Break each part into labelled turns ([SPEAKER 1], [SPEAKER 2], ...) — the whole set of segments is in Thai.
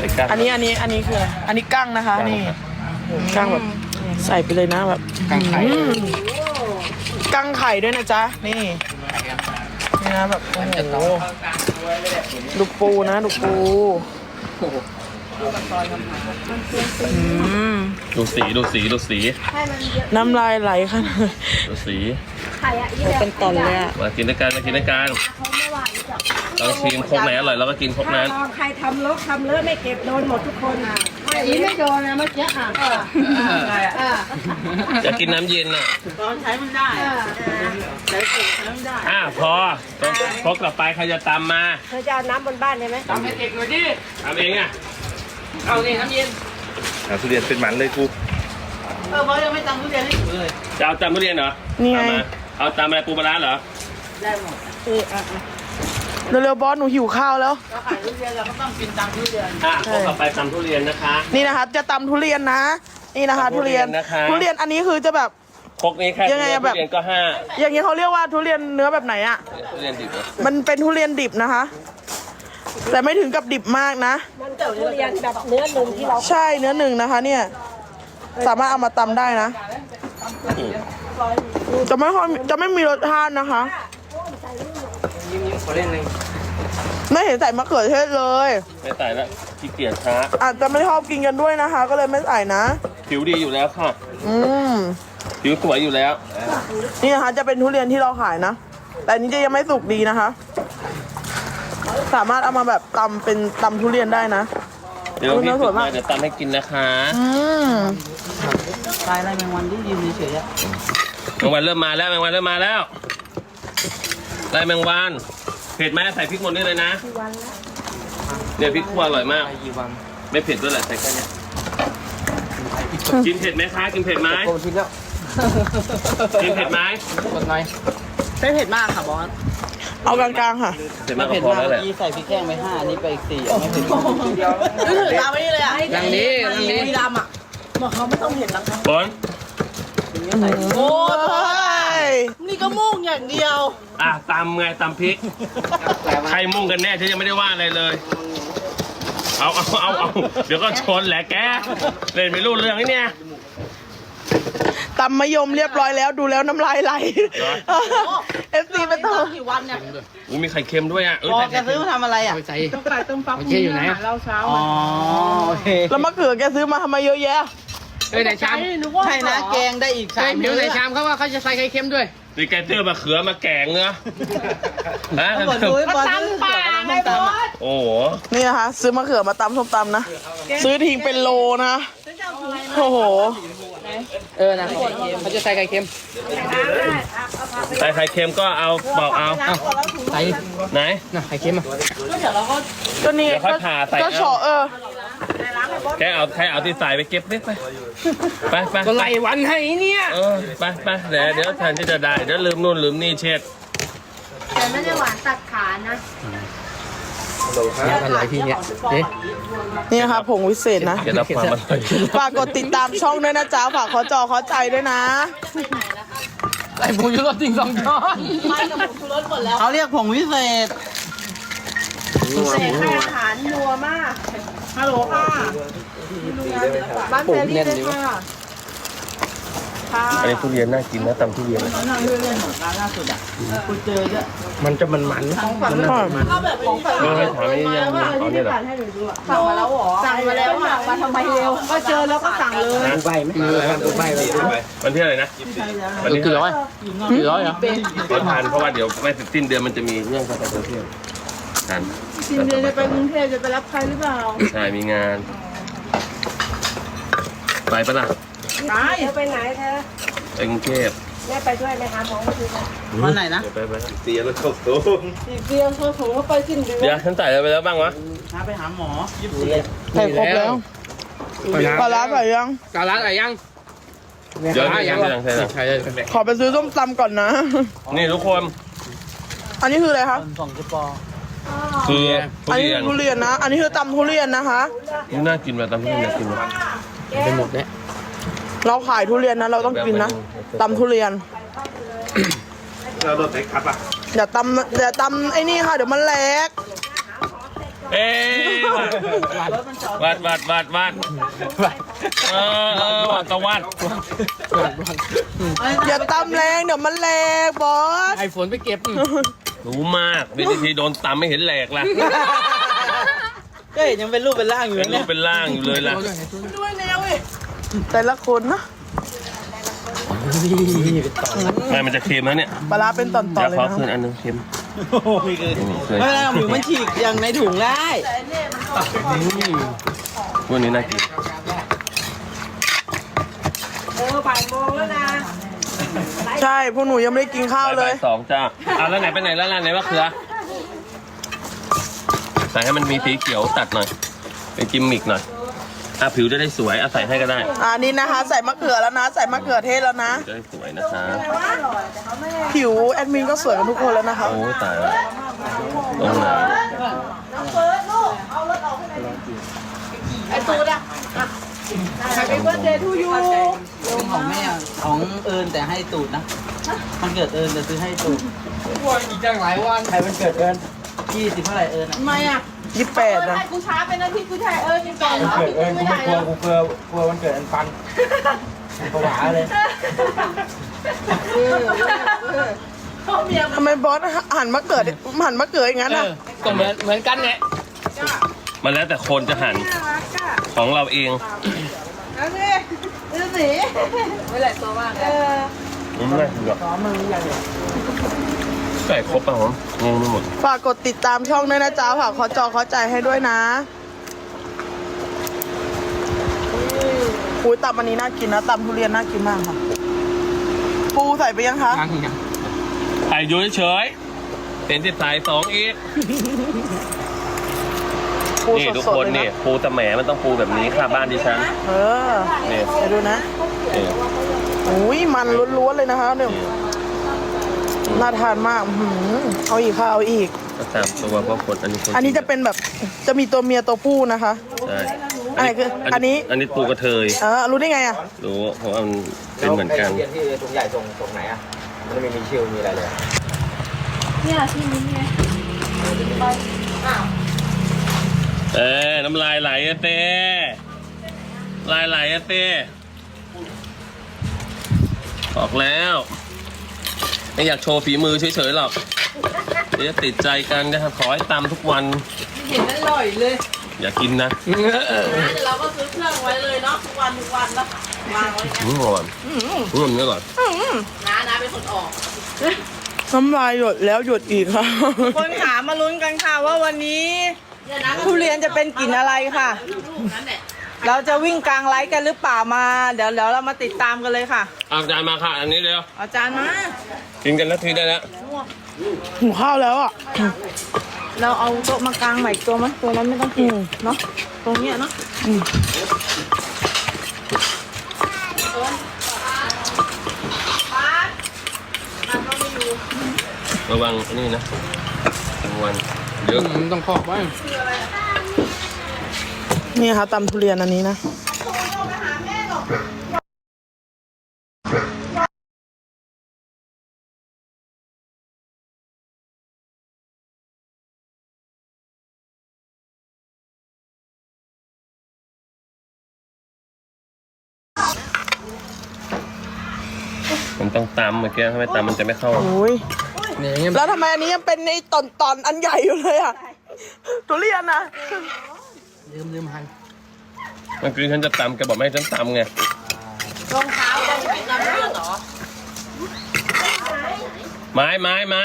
[SPEAKER 1] อันนี้คืออะไรอันนี้กั้งนะคะนี่กั้งแบบใส่ไปเลยนะแบบกั้งไข่กั้งไข่ด้วยนะจ๊ะนี่นะแบบโอ้โหดูปูนะดูปู
[SPEAKER 2] ดูสี
[SPEAKER 1] น้ำลายไหลค่ะ
[SPEAKER 2] ดูสี
[SPEAKER 1] เป็นตอนเลยอะ
[SPEAKER 2] มากินด้วยกันเราชิมครกไหนอร่อยเราก็กินครกนั้น
[SPEAKER 3] ใครทำเลอะไม่เก็บโดนหมดทุกคนอ่ะไม่โดนนะเมื่อกี้
[SPEAKER 2] จะกินน้ำเย็นน่ะ
[SPEAKER 3] ใช้มันได้ใช้มันได้
[SPEAKER 2] พอครกต่อไปใครจะตำมา
[SPEAKER 3] เธอจะเอาน้ำบนบ้านได้ไหม
[SPEAKER 2] ตำให้เด็กหน่อยดิทำเองอ่ะ
[SPEAKER 4] เอานี่น้ำเย็น
[SPEAKER 2] ทุเรียนเป็นหมันเลยกู
[SPEAKER 4] เพราะยังไม่ตำทุเรียนให้ถูเลย
[SPEAKER 2] จะเอาตำทุเรียนเหรอ
[SPEAKER 1] นี่ไง
[SPEAKER 2] เอาตำอะไรปูปลาร้าเหรอ
[SPEAKER 4] ได้หมด
[SPEAKER 1] เร็วๆบอสหนูหิวข้าวแล้ว
[SPEAKER 4] เราขายทุเรียนเราก็ต้องกินตำทุเรียน
[SPEAKER 2] ต่อไปตำทุเรียนนะคะ
[SPEAKER 1] นี่นะคะจะตำทุเรียนนะนี่นะคะทุเรียนอันนี้คือจะแบบ
[SPEAKER 2] ครกนี้แค่ทุเรียนก็5
[SPEAKER 1] อย่างนี้เขาเรียกว่าทุเรียนเนื้อแบบไหนอ่ะ
[SPEAKER 2] ทุเรียนดิบ
[SPEAKER 1] มันเป็นทุเรียนดิบนะคะแต่ไม่ถึงกับดิบมากนะ
[SPEAKER 3] มันเกิดทุเรียนแบบเนื้อหนึ่งที่เรา
[SPEAKER 1] ใช่เนื้อหนึ่งนะคะเนี่ยสามารถเอามาตำได้นะจะไม่มีรสชาตินะคะไม่เห็นใส่มะเขือเทศเลย
[SPEAKER 2] ไม่ใส่แล้วขี้เกียจช้า
[SPEAKER 1] อาจจะไม่ชอบกินกันด้วยนะคะก็เลยไม่ใส่นะ
[SPEAKER 2] ผิวดีอยู่แล้วค่ะผิวสวยอยู่แล้ว
[SPEAKER 1] นี่นะคะจะเป็นทุเรียนที่เราขายนะแต่นี้จะยังไม่สุกดีนะคะสามารถเอามาแบบตำเป็นตำทุเรียนได้นะ
[SPEAKER 2] เดี๋ยวพี่สุดมาเดี๋ยวตำให้กินนะคะ
[SPEAKER 4] ตายอะไรแมงวันที่ยืนเฉยๆ
[SPEAKER 2] แมงวันเริ่มมาแล้วได้แมงวันเผ็ดไหมใส่พริกหมดนี่เลยนะเนี่ยพริกคั่วอร่อยมากไม่เผ็ดด้วยแหละใส่แค่นี้กินเผ็ดไหมคะกินเผ็ดไหมกินเผ็ดไหม
[SPEAKER 4] กดหน่อย
[SPEAKER 1] ไม่เผ็ดมากค่ะบอสเอากลางๆค่ะ
[SPEAKER 2] เผ็ดมากก็พอแล้วแหละ
[SPEAKER 4] ใส่พริกแห้งไป5อันนี้ไป4ไม่เผ็ด
[SPEAKER 1] นึกถึงตามไปนี่เลยอ่ะ
[SPEAKER 4] อย่างนี้
[SPEAKER 1] ดำอ่ะบอกเขาไม่ต้องเห็นแล้วค่ะ
[SPEAKER 2] บอล
[SPEAKER 1] โอ้ยนี่ก็มุ่งอย่างเดียว
[SPEAKER 2] ตำไงตำพริกใครมุ่งกันแน่ฉันยังไม่ได้ว่าอะไรเลยเอาเดี๋ยวก็ชนแหละแกเล่นไม่รู้เรื่องนี่เนี่ย
[SPEAKER 1] ตำมะยมเรียบร้อยแล้วดูแล้วน้ำลายไหลFC ไปต่อ
[SPEAKER 4] กี่วันเนี่ย
[SPEAKER 2] มีไข่เค็มด้วยอ่ะ
[SPEAKER 4] แกซื้อมาทำอะไรอ่ะ
[SPEAKER 1] ต้มไก่ต้มฟัก
[SPEAKER 4] อยู่ไหน
[SPEAKER 1] เราเช้า
[SPEAKER 4] โอเค
[SPEAKER 1] แล้วมะเขือแกซื้อมาทำไมเยอะแยะ
[SPEAKER 4] ในชามใช่นะแกงได้อีก3เดี๋ยวในชามเขาว่าเขาจะใส่ไข่เค็มด้วย
[SPEAKER 2] นี่แกเจอมะเขือมาแกงเนื้อ
[SPEAKER 4] ฮะมาตำป่าไงบอส
[SPEAKER 2] โอ้โห
[SPEAKER 1] นี่นะคะซื้อมะเขือมาตำส้มตำนะซื้อทิ้งเป็นโลนะโอ้โห
[SPEAKER 4] นะเขาจะใส่ไข่เค็ม
[SPEAKER 2] ใส่ไข่เค็มก็เอาบอกเอา
[SPEAKER 4] ใส่
[SPEAKER 2] ไหน
[SPEAKER 4] ไข่เค็ม
[SPEAKER 1] ก็นี่ก็เฉาะ
[SPEAKER 2] แค่เอาที่ใส่ไปเก็บไป
[SPEAKER 4] ก็ไล่วันให้เนี่ย
[SPEAKER 2] ไปเดี๋ยวแทนที่จะได้เดี๋ยวลืมนู่นลืมนี่เช็ด
[SPEAKER 3] แต่ไม่ได้หวานตัดขานะ
[SPEAKER 4] อะไรพี่เนี่ย
[SPEAKER 1] นี่นะคะผงวิเศษนะ
[SPEAKER 2] จะรับความอร่อย
[SPEAKER 1] ฝากกดติดตามช่องด้วยนะจ๊ะฝากขอใจด้วยนะ
[SPEAKER 4] ใส่ผงชูรสจริง2 ช้อน
[SPEAKER 1] ไม่กับผงชูรสหมดแล้ว
[SPEAKER 4] เขาเรียกผงวิเศษ
[SPEAKER 3] ให้อาหารนัวมากฮัลโหลค่ะบ้านแฟรี่เลยค่ะ
[SPEAKER 2] อันนี้ทุเรียนน่ากินนะตำทุเรียน
[SPEAKER 4] นั่งเล่นของร้านล่าสุดอ่ะคุณเจอเยอะ
[SPEAKER 2] มันจะมัน
[SPEAKER 3] เขาแบบของฝัน
[SPEAKER 2] ไม่ถามนี่ยังตอนนี้เหรอ
[SPEAKER 3] สั่งมาแล้วหรอสั่งมาแล้วค่ะมาทำไมเร็วก็เจอแล้วก็สั่งเลย
[SPEAKER 4] ดูใบไหมดูใบ
[SPEAKER 2] วันที่อะไรนะ
[SPEAKER 4] วันที่กี่ร้อยเหรอ
[SPEAKER 2] ก็ทานเพราะว่าเดี๋ยวไม่สิ้นเดือนมันจะมีเรื่องการไปเที่ยวกัน
[SPEAKER 3] สิ้นเดือนจะไปกรุงเทพจะไปรับใครหรือเปล่า
[SPEAKER 2] ใช่มีงานไปปะล่ะ
[SPEAKER 3] ไปไหนเธอ
[SPEAKER 2] ไปกรุงเทพ
[SPEAKER 3] แม่ไปด้วยไหมคะหมอมาดู
[SPEAKER 4] วันไหนนะ
[SPEAKER 2] ไปเตียแล้วเข้าสูง
[SPEAKER 3] เตียเข้าสูงก็ไปสิ้นเดือน
[SPEAKER 2] เดี๋ยวฉันใส่อะไรไปแล้วบ้างวะ
[SPEAKER 4] ไปหาหมอ
[SPEAKER 1] ใส่ครบแล้วปลาร้าใส่ยัง
[SPEAKER 4] ปลาร้าใส่ยัง
[SPEAKER 2] เดี๋ยวยัง
[SPEAKER 1] ขอไปซื้อส้มตำก่อนนะ
[SPEAKER 2] นี่ทุกคน
[SPEAKER 1] อันนี้คืออะไรคะ
[SPEAKER 4] 2 กระป๋อง
[SPEAKER 2] คือ
[SPEAKER 1] อันนี้ทุเรียนนะอันนี้คือตำทุเรียนนะคะ
[SPEAKER 2] นี่น่ากินแบบตำทุเรียนน่ากิน
[SPEAKER 4] ไปหมดเนี่ย
[SPEAKER 1] เราขายทุเรียนนะเราต้องกินนะตำทุเรียน
[SPEAKER 2] เราโดนเตะครับอ่ะ
[SPEAKER 1] อย่าตำไอ้นี่ค่ะเดี๋ยวมันแหลก
[SPEAKER 2] เอ๊วัดวัดตะวัด
[SPEAKER 1] อย่าตำแรงเดี๋ยวมันแหลกบอส
[SPEAKER 4] ไอ้ฝนไปเก็บ
[SPEAKER 2] รู้มากวิธีโดนตำไม่เห็นแหลกละ
[SPEAKER 3] ก็เห็นยังเป็นรูปเป็นร่างอยู่
[SPEAKER 2] เป็นรู
[SPEAKER 3] เนี่
[SPEAKER 2] ป
[SPEAKER 3] ย
[SPEAKER 2] เป็นร่างอยู่เลยล่ะ
[SPEAKER 1] ด้วยแนวเว้ยแต่ละคนนะ
[SPEAKER 2] ไม่มันจะเค็มแล้วเนี่ย
[SPEAKER 1] ปลาร้าเป็นตอน
[SPEAKER 2] เดี๋ยว
[SPEAKER 1] ๆเลย
[SPEAKER 2] ขอ
[SPEAKER 1] นะ
[SPEAKER 2] คืนอันนึงเค็ม
[SPEAKER 3] ไม่เคย
[SPEAKER 2] เคย
[SPEAKER 3] ไม่เป็นไรหมูมันฉีกอย่างในถุงได้
[SPEAKER 2] วันนี้น่ากิน
[SPEAKER 3] บ่ายโมงแล้วนะ
[SPEAKER 1] ใช่พวกหนูยังไม่ได้กินข้าวเลย
[SPEAKER 2] บ่าย2จ้าแล้วไหนไปไหนแล้วไหนว่าเขือใส่ให้มันมีสีเขียวตัดหน่อยเป็นกิมมิกหน่อยผิวจะได้สวยใส่ให้ก็ได้
[SPEAKER 1] นี่นะคะ ใส่มะเขือแล้วนะ ใส่มะเขือเทศแล้วนะ
[SPEAKER 2] จะได้สวยนะคะ
[SPEAKER 1] ผิวแอดมินก็สวยกันทุกคนแล้วนะคะ
[SPEAKER 2] โอ้ตายแล้วตรงไหน
[SPEAKER 3] Happy birthday to you เป็นของแม่ของเอิญแต่ให้ตูดนะมันเกิดเอิญแต่ซื้อให้ตูด
[SPEAKER 4] อีกจังหลายวัน
[SPEAKER 3] ใครมันเกิดเอิญ20เท่าไหร่เอิญอ่ะ
[SPEAKER 5] ทำไมอ่ะ
[SPEAKER 1] 28นะ
[SPEAKER 5] ให้กูช้าเป็นอาทิตย์กูถ่ายยังก่อนเหรอ
[SPEAKER 3] เกิดเอิญกู
[SPEAKER 5] ไม่
[SPEAKER 3] ไม่
[SPEAKER 5] ได้
[SPEAKER 3] กลัวกูกลัววันเกิดอันปันผวาเลย
[SPEAKER 1] ทำไมบอสหันมะเขืออย่างนั้น
[SPEAKER 4] เอ
[SPEAKER 1] อ่ะ
[SPEAKER 4] อก็เหมือนกันเนี่ย
[SPEAKER 2] มันแล้วแต่คนจะหั่นของเราเอง
[SPEAKER 5] เอาสิดูสิไม่หลายตัวมากเลย
[SPEAKER 2] ไม่ได้หรอกใส่ครบป่ะผมงงไปหมด
[SPEAKER 1] ฝากกดติดตามช่องด้วยนะจ๊ะฝากขอจอขอใจให้ด้วยนะตับอันนี้น่ากินนะตับทุเรียนน่ากินมากค่ะปูใส่ไปยังคะ
[SPEAKER 4] ยัง
[SPEAKER 2] ใส่อยู่เฉยๆเป็นที่ใส่2อีก
[SPEAKER 1] ปู
[SPEAKER 2] นี่ทุก
[SPEAKER 1] สด
[SPEAKER 2] ค
[SPEAKER 1] ๆ
[SPEAKER 2] น
[SPEAKER 1] เลย
[SPEAKER 2] นี่
[SPEAKER 1] นะ
[SPEAKER 2] ปูตะแหมมันต้องปูแบบนี้ค่ะบ้านดิฉัน
[SPEAKER 1] เออ
[SPEAKER 2] นี่
[SPEAKER 1] เดี๋ยวดูนะ
[SPEAKER 2] นี่
[SPEAKER 1] อุ้ยมันล้วนๆเลยนะคะเนี่ยน่าทานมากเอาอีกค่ะเอาอีก
[SPEAKER 2] ก็ตามตัวเพราะคนอันนี้คน
[SPEAKER 1] อันนี้จะเป็นแบบจะมีตัวเมียตัวผู้นะคะ
[SPEAKER 2] ใช่
[SPEAKER 1] อะไรคืออันนี้
[SPEAKER 2] อันนี้ปูกระเทย
[SPEAKER 1] รู้ได้ไงอ่ะ
[SPEAKER 2] รู้เพราะว่ามันเป็นเหมือนกัน
[SPEAKER 3] เรียนที่ตรงใหญ่ตรงไหนอ่ะมันไม่มีชื่อมีอะไรเลย
[SPEAKER 5] เนี่ยที่นี้ไง
[SPEAKER 2] น้ำลายไหลอะเต้ลายไหลอะเต้บอกแล้วไม่อยากโชว์ฝีมือเฉยๆหรอกเดี๋ยวจะติดใจกันนะครับขอให้ตำทุกวัน
[SPEAKER 5] เห็นอร่อยเลย
[SPEAKER 2] อย่ากินนะ
[SPEAKER 5] นะเดี๋ยวเราก็ซื้อเครื่องไว้เลยเนาะทุกวันแล้ววางไว้เนี่ย
[SPEAKER 2] ก่อนนี่ก่อน
[SPEAKER 5] นะเป็นคนออก
[SPEAKER 1] น้ำลายหยดแล้วหยดอีกค่ะ
[SPEAKER 3] คนขามาลุ้นกันค่ะว่าวันนี้ทุเรียนจะเป็นกลิ่นอะไรค่ะ
[SPEAKER 5] นั่นแหละ
[SPEAKER 3] เราจะวิ่งกลางไลฟ์กันหรือเปล่ามาเดี๋ยวเรามาติดตามกันเลยค่ะ
[SPEAKER 2] เอาจานมาค่ะ อันนี้เร็ว
[SPEAKER 3] อาจารย์มา
[SPEAKER 2] กินกันนาทีได้แล้ว
[SPEAKER 1] หูข้าวแล้วอ่ะ
[SPEAKER 3] เราเอาโต๊ะมากลางใหม่อีกตัวมั้ยตัวนั้นไม่ต้องกินเนาะตรงเนี้ยเนาะ
[SPEAKER 2] ระวังอันนี้นะระวังเยอะ
[SPEAKER 4] มันต้องขอบไว้
[SPEAKER 1] นี่ค่ะตำทุเรียนอันนี้นะ
[SPEAKER 2] มันต้องตำเมื่อกี้ถ้าไม่ตำมันจะไม่เข้า
[SPEAKER 1] โอ้ย
[SPEAKER 4] เนี่ยอย่างเงี้ย
[SPEAKER 1] แล้วทำไมอันนี้ยังเป็นในตอนอันใหญ่อยู่เลยอ่ะทุเรียนนะ
[SPEAKER 4] ลืมหัน
[SPEAKER 2] เมื่อกี้ฉันจะตำแกบอกไม่ให้ฉันตำไง
[SPEAKER 5] รองเท้าจะกินน้ำเลือดเหรอ
[SPEAKER 2] ไม้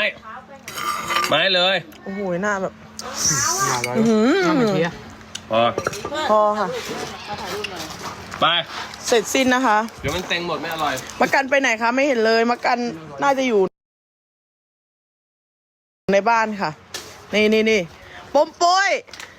[SPEAKER 2] เลย
[SPEAKER 1] โอ้โหหน้าแบบ
[SPEAKER 4] มาร้อยน้ำมันเทีย
[SPEAKER 2] พอ
[SPEAKER 1] พอค่ะ
[SPEAKER 2] ไป
[SPEAKER 1] เสร็จสิ้นนะคะ
[SPEAKER 2] เดี๋ยวมันเต็งหมดไม่อร่อย
[SPEAKER 1] มะกันไปไหนคะไม่เห็นเลยมะกันน่าจะอยู่ในบ้านค่ะ นี่ปมโป้ย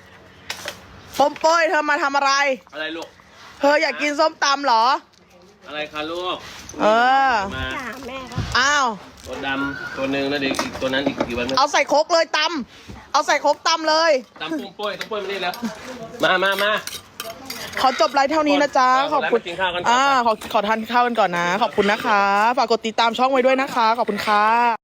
[SPEAKER 1] เธอมาทำอะไร
[SPEAKER 2] อะไรลูก
[SPEAKER 1] เธออยากกินส้มตำเหรอ
[SPEAKER 2] อะไรคะลูก
[SPEAKER 1] เออ
[SPEAKER 2] มา
[SPEAKER 1] อ้าว
[SPEAKER 2] ตัวดำตัวหนึ่งแล้วเด็กอีกตัวนั้นอีกกี่วัน
[SPEAKER 1] เอาใส่โคกเลยตำเอาใส่โคกตำเลย
[SPEAKER 2] ตำปุ้มปุ้ยต้องปุ้ยมานี่แล้วมา
[SPEAKER 1] ขอจบไลฟ์เท่านี้นะจ๊ะ ขอบคุณ
[SPEAKER 2] แล้วไปกินข้าวกันก่อน
[SPEAKER 1] ขอทานข้าวกันก่อนนะ ขอบคุณนะคะ ฝากกดติดตามช่องไว้ด้วยนะคะ ขอบคุณค่ะ